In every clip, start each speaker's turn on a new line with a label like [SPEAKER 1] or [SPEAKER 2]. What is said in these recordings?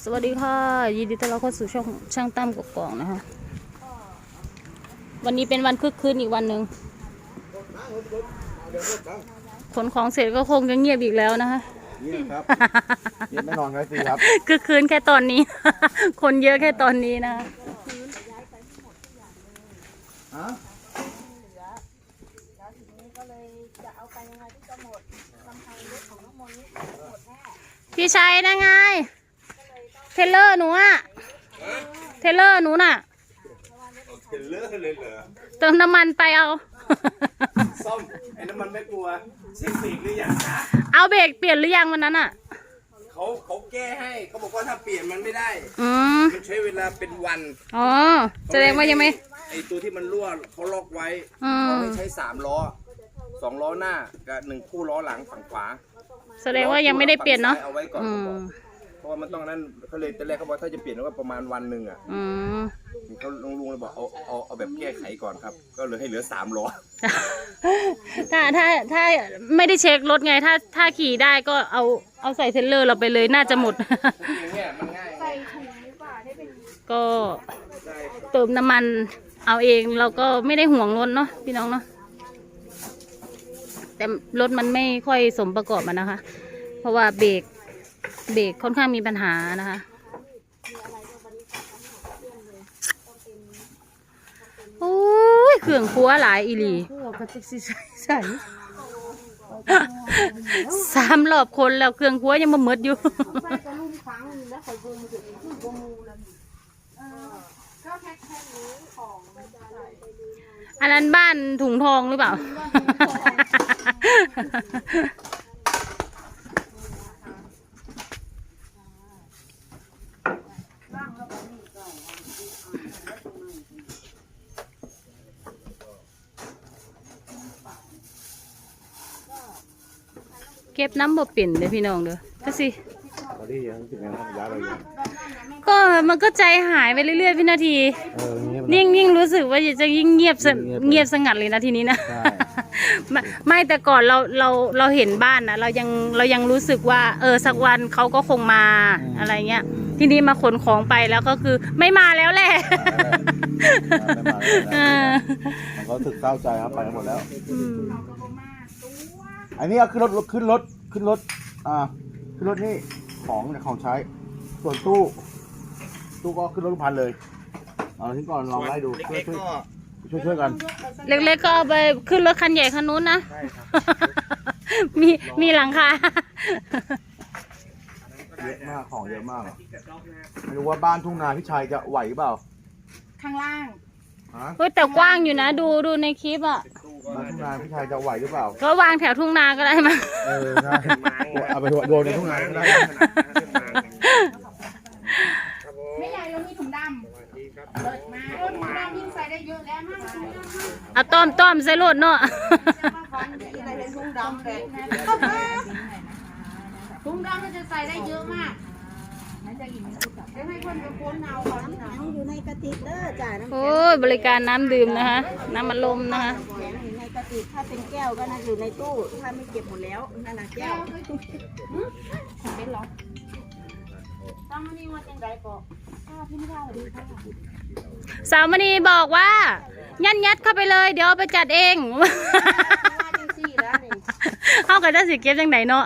[SPEAKER 1] วัสดีค่ะยินดีต้อนรับเข้าสู่ช่างตั้มกกอกนะคะวันนี้เป็นวันคึกคืนอีกวันหนึ่งขนของเสร็จก็คงจะเงียบอีกแล้วนะคะ
[SPEAKER 2] เงียบครับเงียบแน่นอนครับสิครับ
[SPEAKER 1] คึกคืนแค่ตอนนี้ คนเยอะแค่ตอนนี้นะพี่ชัยนะไงเทเลอร์หนูอะเทเลอร์หนูน่ะ
[SPEAKER 2] เทเลอร์เลยเหรอ
[SPEAKER 1] เติมน้ำมันไปเอา
[SPEAKER 2] ซ่อมไอ้น้ำมันไม่กลัวเช็คสีหรือยังนะ
[SPEAKER 1] เอาเบรกเปลี่ยนหรือยังวันนั้นอะ
[SPEAKER 2] เขาแก้ให้เขาบอกว่าถ้าเปลี่ยนมันไม่ได้มันใช้เวลาเป็นวัน
[SPEAKER 1] อ๋อแสดงว่ายังไม่
[SPEAKER 2] ไอตัวที่มันรั่วเขาล็อกไว้เขาให้ใช้3 ล้อ2 ล้อหน้ากับ1 คู่ล้อหลังฝั่งขวา
[SPEAKER 1] แสดงว่ายังไม่ได้เปลี่ยนเนาะ
[SPEAKER 2] เอาไว้ก่อนเพราะว่ามันต้องนั้นเขาเลยตอนแรกเขาบอกถ้าจะเปลี่ยนก็ประมาณวันหนึ่งอ่ะเขาลุงเลยบอกเอาแบบแก้ไขก่อนครับก็เลยให้เหลือ3 ล้อ
[SPEAKER 1] ถ้าไม่ได้เช็ครถไงถ้าขี่ได้ก็เอาใส่เทรลเลอร์เราไปเลยน่าจะหมดก็เติมน้ำมันเอาเองเราก็ไม่ได้ห่วงรถเนาะพี่น้องเนาะแต่รถมันไม่ค่อยสมประกอบมันนะคะเพราะว่าเบรกค่อนข้างมีปัญหานะคะโอ้ยเครื่องครัวหลายอีหลี3 รอบคนแล้วเครื่องครัวยังมาหมดอยู่อันนั้นบ้านถุงทองหรือเปล่าเก็บน้ำบ่เปลี่ยนเลยพี่น้องเด้อก็สิก็มันก็ใจหายไปเรื่อยๆพี่นาทียิ่งรู้สึกว่าจะยิ่งเงียบสงัดเลยนะทีนี้นะไม่แต่ก่อนเราเห็นบ้านนะเรายังรู้สึกว่าสักวันเขาก็คงมาอะไรเงี้ยทีนี้มาขนของไปแล้วก็คือไม่มาแล้วแหละ
[SPEAKER 2] เขาถึกเศร้าใจครับไปหมดแล้วอันนี้ก็ขึ้นรถนี่ของใช้ส่วนตู้ก็ขึ้นรถพันเลยเอาทิ้งก่อนลองไล่ดูช่วยกัน
[SPEAKER 1] เล็กๆก็เอาไปขึ้นรถคันใหญ่คันนู้นนะมีหลังคา
[SPEAKER 2] เยอะมากของเยอะมากไม่รู้ว่าบ้านทุ่งนาพี่ชัยจะไหวเปล่า
[SPEAKER 3] ข้างล่าง
[SPEAKER 1] เฮ้ยแต่กว้างอยู่นะดูในคลิปอ่ะ
[SPEAKER 2] บ้านทุ่งนาพี่ชัยจะไหวหรือเปล่า
[SPEAKER 1] ก็วางแถวทุ่งนาก็ได้มั้ย
[SPEAKER 2] ใช่เอาไปโดนในทุ่งนาก็ได้
[SPEAKER 3] ไม่ใหญ่เรามีถุงดำเปิดมาถุงดำยิ่งใส่ได้เยอะแล้วมาก
[SPEAKER 1] เอาต้อมใส่รถเนาะ
[SPEAKER 3] ถุงดำมันจะใส่ได้เยอะมากให้คนไปค้นเอาของน้ำอยู่ในกระติกเด้อจ่ายน้ำ
[SPEAKER 1] โอ้ยบริการน้ำดื่มนะคะน้ำอัดลมนะคะ
[SPEAKER 3] ในกระติกถ้าเป็นแก้วก็น่าอยู่ในตู้ถ้าไม่เก็บหมดแล้วนั่นน่ะแก้วเป็นหรอตั้งนี่ว่าจังไดก็พี่ไม่ได้หรอดีค่ะ
[SPEAKER 1] สาวมณีบอกว่ายัดเข้าไปเลยเดี๋ยวเอาไปจัดเองเขาก็จะสิเก็บจังไหนเนาะ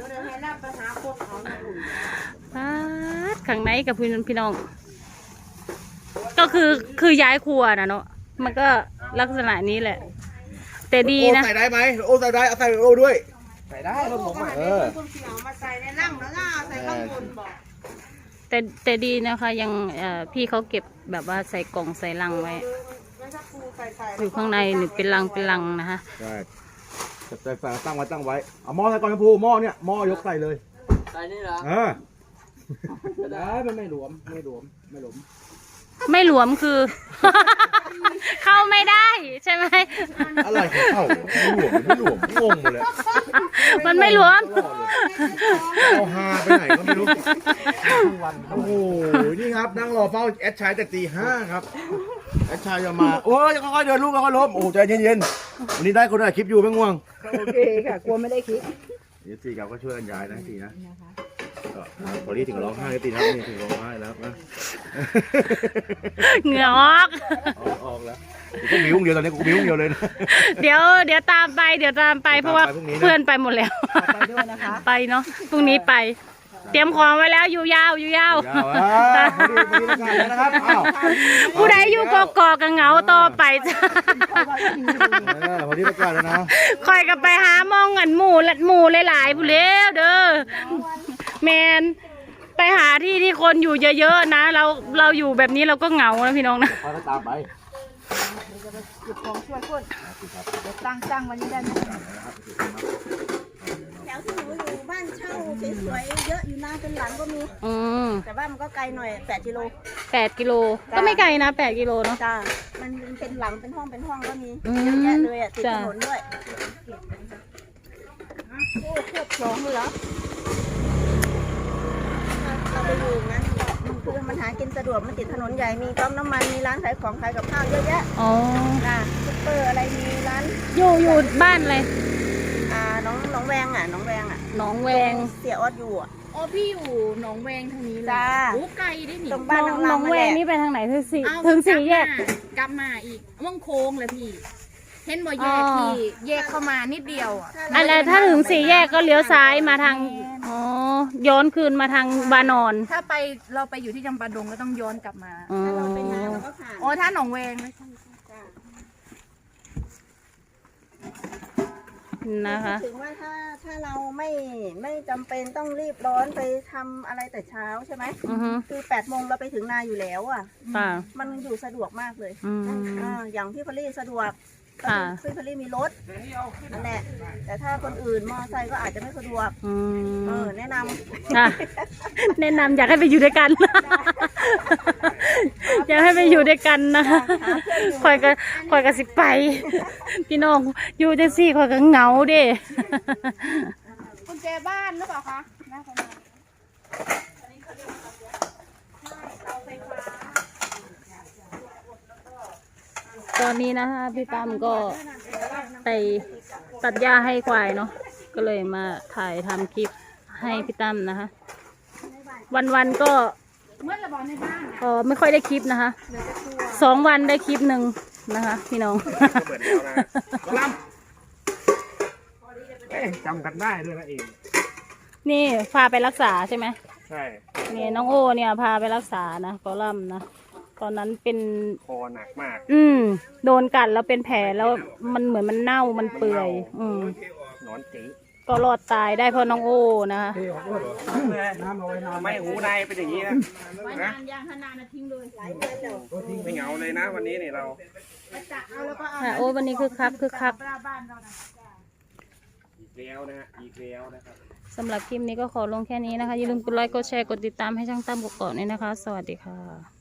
[SPEAKER 1] ข้างในกับพี่น้องก็คือย้ายครัวนะเนาะมันก็ลักษณะนี้แหละแต่ดีนะ
[SPEAKER 2] ใส่ได้ไหมใส่ได้เอาใส่ด้วยใส่ได้แล้วผม
[SPEAKER 3] มาใส่ในนั่งแล้วก็ใส่ข้างบนบอก
[SPEAKER 1] แต่ดีนะคะยังพี่เขาเก็บแบบว่าใส่กล่องใส่ลังไว้อยู่ข้างในหนึ่งเป็นลังนะคะ
[SPEAKER 2] ใช่ใส่ตั้งไว้เอาหม้อใส่ก่อนนะพูหม้อเนี่ยหม้อยกใส่เลย
[SPEAKER 4] ใส่นี่เหรอได้มันไม่หลวมไม่หลวม
[SPEAKER 1] คือ เข้าไม่ได้ใช่ไหม
[SPEAKER 2] อะไรเข้าไม่หลวมงงหมดเลย
[SPEAKER 1] มันไม่หลวม
[SPEAKER 2] เอาฮาไปไหนก็ไม่รู้โอ้โหนี่ครับนั่งรอเฝ้าแอดชายจากตี 5ครับแอดชายจะมาโอ้ยค่อยๆเดินลูกค่อยๆล้มโอ้ใจเย็นๆวันนี้ได้คนได้คลิปอยู่ไม่ง่วง
[SPEAKER 3] โอเคค่ะกลัวไม่ได้คลิป
[SPEAKER 2] เดี๋ยวสี่กับก็ช่วยกันย้ายนะทีนะก็พอดีถึงร้องไห้ก็ตีครับนี่ถึงร้องไห้แล้วนะ
[SPEAKER 1] เหงื่อออก
[SPEAKER 2] ออกแล้วกูบิ้วเดียวตอนนี้กูบิ้วเดียวเลยนะ
[SPEAKER 1] เดี๋ยวตามไปเพราะว่า
[SPEAKER 2] พรุ่งนี้นะ
[SPEAKER 1] เพื่อนไปหมดแล้ว
[SPEAKER 3] ไปด้วยนะคะ
[SPEAKER 1] ไปเนาะพรุ่งนี้ไป เตรียมของไว้แล้วอยู่ยาว
[SPEAKER 2] ยาวพอดีแล้วกันนะครับอ้าว
[SPEAKER 1] ผู้ใดอยู่กอกกันเหงาต่อไปจ้ะ
[SPEAKER 2] พอดีแล้วกันแล้วนะ
[SPEAKER 1] คอยกันไปหามองเงินหมู่หลายๆผู้เลี้ยวเด้อแมนไปหาที่คนอยู่เยอะๆนะเราอยู่แบบนี้เราก็เหงานะพี่น้องนะ
[SPEAKER 2] พอก็ตามไป
[SPEAKER 3] เก็บของช่วยคนเดี๋ยวตั้งวันนี้ได้ไหมแถวที่หนูอยู่บ้านเช่าสวยๆเยอะอยู่นะเป็นหลังก็มี
[SPEAKER 1] อืม
[SPEAKER 3] แต่ว่ามันก็ไกลหน่อย8 กิโล
[SPEAKER 1] 8 กิโลก็ไม่ไกลนะ8 กิโลเนาะ
[SPEAKER 3] จ้ามันเป็นหลังเป็นห้องก็มี
[SPEAKER 1] อืม
[SPEAKER 3] เยอะแยะเลยอ่ะติด
[SPEAKER 1] จ้ะ
[SPEAKER 3] ถนนด้วยโอ้ควบสองเลยเหรอเราไปอยู่นั้นมันคือมันหากินสะดวกมันติดถนนใหญ่มีปั๊มน้ำมันมีร้านขายของขายกับข้าวเยอะแยะ
[SPEAKER 1] อ๋อ
[SPEAKER 3] ซุปเปอร์อะไรมีร้าน
[SPEAKER 1] อยู่บ้านอะไร
[SPEAKER 3] น้องแวงอ่ะน้องแวงอ่ะ
[SPEAKER 1] หนองแวง
[SPEAKER 3] เสียออดอยู่อ่ะ
[SPEAKER 5] อ๋อพี่อยู่หนองแวงทางนี้เลย
[SPEAKER 3] จ้า
[SPEAKER 5] โอ้ไกลได้หนิ
[SPEAKER 3] ตรงบ้าน
[SPEAKER 1] หน
[SPEAKER 3] น้
[SPEAKER 1] อ
[SPEAKER 3] อง ง
[SPEAKER 1] แว
[SPEAKER 3] แว
[SPEAKER 1] ง
[SPEAKER 3] ง
[SPEAKER 1] นี่ไปทางไหนถึงสี่
[SPEAKER 5] เอา
[SPEAKER 1] ถึงสี่แยก
[SPEAKER 5] กลับมาอีกว่องโค้งเลยพี่ เห็นบ่แยก
[SPEAKER 1] อ๋อ
[SPEAKER 5] ที่แยกเข้ามานิดเดียวอ่ะ
[SPEAKER 1] อะไรถ้าถึงสี่แยกก็เลี้ยวซ้ายมาทางอ๋อย้อนคืนมาทางบานอน
[SPEAKER 5] ถ้าไปเราไปอยู่ที่จำปาดงก็ต้องย้อนกลับมา
[SPEAKER 1] อ๋อ
[SPEAKER 3] ถ้าเราไปหาเราก็ผ่าน
[SPEAKER 5] อ๋อถ้าหนองแวงไม่ใช่
[SPEAKER 3] จ้า
[SPEAKER 1] นะคะ
[SPEAKER 3] ถึงว่าถ้าเราไม่จำเป็นต้องรีบร้อนไปทำอะไรแต่เช้าใช่ไหม
[SPEAKER 1] อือฮึ
[SPEAKER 3] คือ8 โมงเราไปถึงนาอยู่แล้วอ่ะ
[SPEAKER 1] ค่ะ
[SPEAKER 3] มันอยู่สะดวกมากเลย
[SPEAKER 1] อืม
[SPEAKER 3] อย่างพี่พอลลี่สะดวก
[SPEAKER 1] ค่ะ
[SPEAKER 3] พี่พอลลี่มีรถนั่นแหละแต่ถ้าคนอื่นมอไซค์ก็อาจจะไม่สะดวก
[SPEAKER 1] อืม
[SPEAKER 3] แนะนำ
[SPEAKER 1] ค่ะแนะนำอยากให้ไปอยู่ด้วยกัน อยากให้ไปอยู่ด้วยกันนะคอยก็สิไป พี่น้องอยู่จังซี่คอยก็เหงาเด้
[SPEAKER 5] กุญแจบ้านหรือเปล่าคะน่าจะมา
[SPEAKER 1] ตอนนี้นะคะพี่ตั้มก็ไปตัดหญ้าให้ควายเนาะก็เลยมาถ่ายทำคลิปให้พี่ตั้มนะคะ วันๆก็
[SPEAKER 5] เมื่อระบอในบ้าน
[SPEAKER 1] ไม่ค่อยได้คลิปนะคะ2 วันได้คลิปหนึ่งนะคะ พี่น้อง
[SPEAKER 4] เปิดแล้วนะกำลังจำกันได้ด้วยนะเอง
[SPEAKER 1] นี่พาไปรักษาใช่ไหม
[SPEAKER 4] ใช่
[SPEAKER 1] นี่น้องโอเนี่ยพาไปรักษานะกอลัมน์นะตอนนั้นเป็น
[SPEAKER 4] คอหนักมาก
[SPEAKER 1] โดนกัดแล้วเป็นแผลแล้วมันเหมือนมันเน่ามันเปื่อย
[SPEAKER 4] นอนจี
[SPEAKER 1] ก็รอดตายได้เพราะน้องโอนะคะ
[SPEAKER 4] ไม่หูในเป็นอย่างนี้นะ
[SPEAKER 5] ไว้นานยางขนาดนะทิ้งเลย
[SPEAKER 4] ไม่เหงาเลยนะวันนี้นี่เรา
[SPEAKER 5] เอาแล้วก็เอา
[SPEAKER 1] ค่ะโอ้วันนี้คึกคัก
[SPEAKER 5] บ้านเรานะ
[SPEAKER 4] อีกแล้วนะฮะอีกแล้วนะครับ
[SPEAKER 1] สำหรับคลิปนี้ก็ขอลงแค่นี้นะคะอย่าลืมกดไลค์กดแชร์กดติดตามให้ช่างตั้มกดก่อนด้วยนะคะ สวัสดีค่ะ